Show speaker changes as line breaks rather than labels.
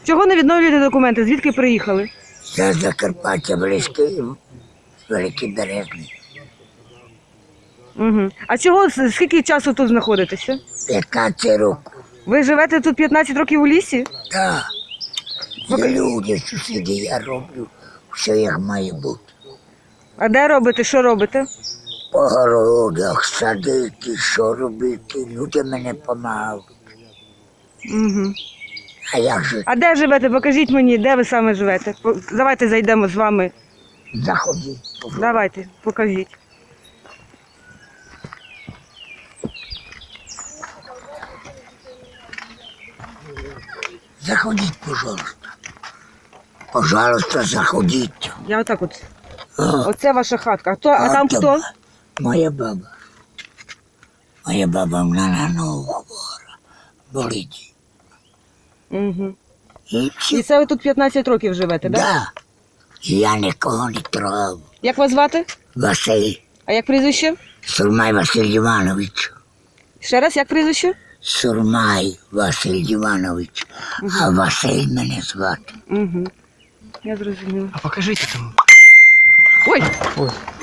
Чого не відновлюєте документи? Звідки приїхали?
Я з Закарпаття, близький, Великий Березний.
Угу. А чого, скільки часу тут знаходитеся?
15 років.
Ви живете тут 15 років у лісі?
Так. Є люди, сусіди, я роблю все, як має бути.
А де робите, що робите?
По городах, садити, що робити, люди мене допомагають.
Угу.
А як же?
А де живете? Покажіть мені, де ви саме живете. Давайте зайдемо з вами.
Заходіть.
Давайте, покажіть.
Заходіть, пожалуйста. Пожалуйста, заходіть.
Я отак от.
А,
Оце ваша хатка. А там
от
хто?
Моя баба. Моя баба вона на ногу хвора. Болить.
Угу.
І
І
все.
це ви тут 15 років живете, так? Да?
Да. Я нікого не трогав.
Як вас звати?
Василь.
А як прізвище?
Сурмай Василь Іванович.
Ще раз, як прізвище?
Сурмай Василь Іванович. А Василь мене звати.
Угу. Я зрозуміла.
А покажите там.
Ой,
Ой,